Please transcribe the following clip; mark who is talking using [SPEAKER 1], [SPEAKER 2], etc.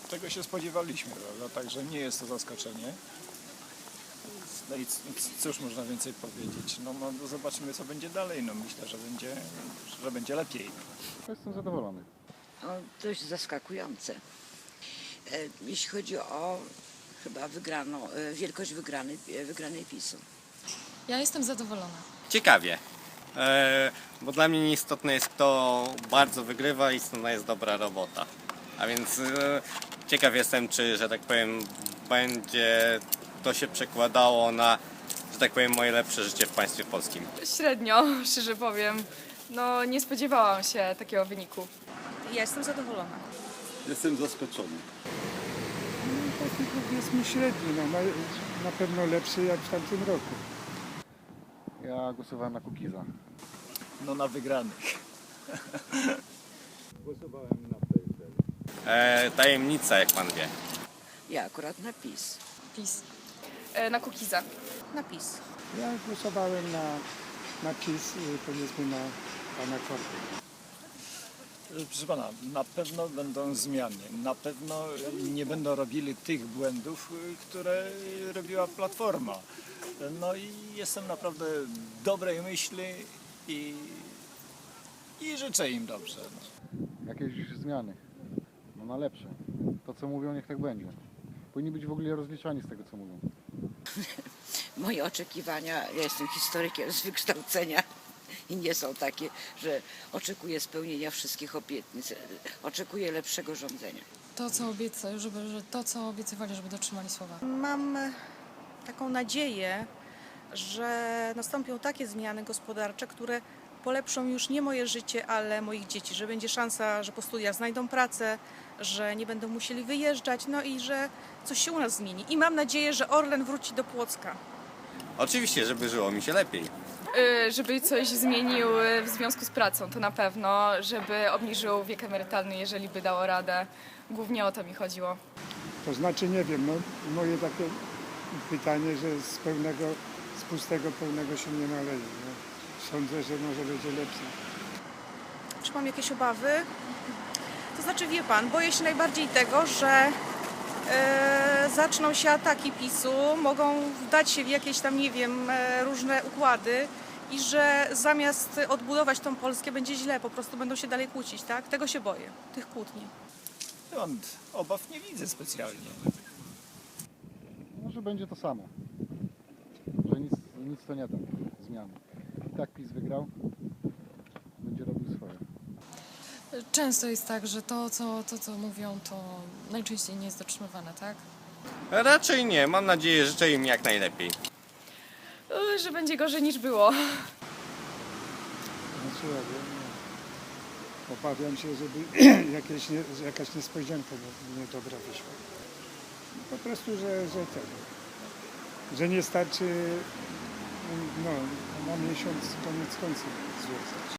[SPEAKER 1] Tego się spodziewaliśmy, prawda? Także nie jest to zaskoczenie. No i cóż można więcej powiedzieć? No zobaczymy, co będzie dalej. No myślę, że będzie lepiej.
[SPEAKER 2] Jestem zadowolony.
[SPEAKER 3] No, dość zaskakujące. Jeśli chodzi o chyba wielkość wygranej PiS-u.
[SPEAKER 4] Ja jestem zadowolona.
[SPEAKER 5] Ciekawie, bo dla mnie istotne jest, kto bardzo wygrywa i istotna jest dobra robota. A więc ciekaw jestem, czy, że tak powiem, będzie to się przekładało na, że tak powiem, moje lepsze życie w państwie polskim.
[SPEAKER 6] Średnio, szczerze powiem. No, nie spodziewałam się takiego wyniku.
[SPEAKER 7] Ja jestem zadowolona.
[SPEAKER 8] Jestem zaskoczony.
[SPEAKER 9] Taki powiedzmy średni, na pewno lepszy jak w tamtym roku.
[SPEAKER 2] Ja głosowałem na Kukiza.
[SPEAKER 1] No na wygranych.
[SPEAKER 8] Głosowałem na PSL.
[SPEAKER 5] Tajemnica, jak pan wie.
[SPEAKER 3] Ja akurat na PiS.
[SPEAKER 4] PiS.
[SPEAKER 6] Na Kukiza.
[SPEAKER 7] Na PiS.
[SPEAKER 9] Ja głosowałem na PiS, powiedzmy na pana Korty.
[SPEAKER 1] Proszę pana, na pewno będą zmiany. Na pewno nie będą robili tych błędów, które robiła Platforma. No i jestem naprawdę dobrej myśli i życzę im dobrze.
[SPEAKER 2] Jakieś zmiany. No na lepsze. To co mówią, niech tak będzie. Powinni być w ogóle rozliczani z tego, co mówią.
[SPEAKER 3] Moje oczekiwania, ja jestem historykiem z wykształcenia i nie są takie, że oczekuję spełnienia wszystkich obietnic. Oczekuję lepszego rządzenia.
[SPEAKER 4] To, co obiecywali, żeby dotrzymali słowa.
[SPEAKER 7] Mam taką nadzieję, że nastąpią takie zmiany gospodarcze, które polepszą już nie moje życie, ale moich dzieci, że będzie szansa, że po studiach znajdą pracę, że nie będą musieli wyjeżdżać, no i że coś się u nas zmieni. I mam nadzieję, że Orlen wróci do Płocka.
[SPEAKER 5] Oczywiście, żeby żyło mi się lepiej.
[SPEAKER 6] Żeby coś zmienił w związku z pracą, to na pewno. Żeby obniżył wiek emerytalny, jeżeli by dało radę. Głównie o to mi chodziło.
[SPEAKER 9] To znaczy nie wiem, no moje takie pytanie, że z pustego pełnego się nie naleje. No. Sądzę, że może będzie lepsze.
[SPEAKER 7] Czy mam jakieś obawy? To znaczy, wie pan, boję się najbardziej tego, że zaczną się ataki PiS-u, mogą wdać się w jakieś tam, nie wiem, różne układy i że zamiast odbudować tą Polskę będzie źle, po prostu będą się dalej kłócić, tak? Tego się boję, tych kłótni.
[SPEAKER 1] Ja obaw nie widzę specjalnie.
[SPEAKER 2] Może będzie to samo. Że nic to nie da zmiany. I tak PiS wygrał. Będzie robił swoje.
[SPEAKER 4] Często jest tak, że to, co mówią, to najczęściej nie jest dotrzymywane, tak?
[SPEAKER 5] Raczej nie, mam nadzieję, życzę im jak najlepiej.
[SPEAKER 6] Że będzie gorzej niż było.
[SPEAKER 9] Znaczy ja wiem, no, obawiam się, żeby jakaś niespodzianka niedobra wyszła. Po prostu, że nie starczy na miesiąc koniec końców związać.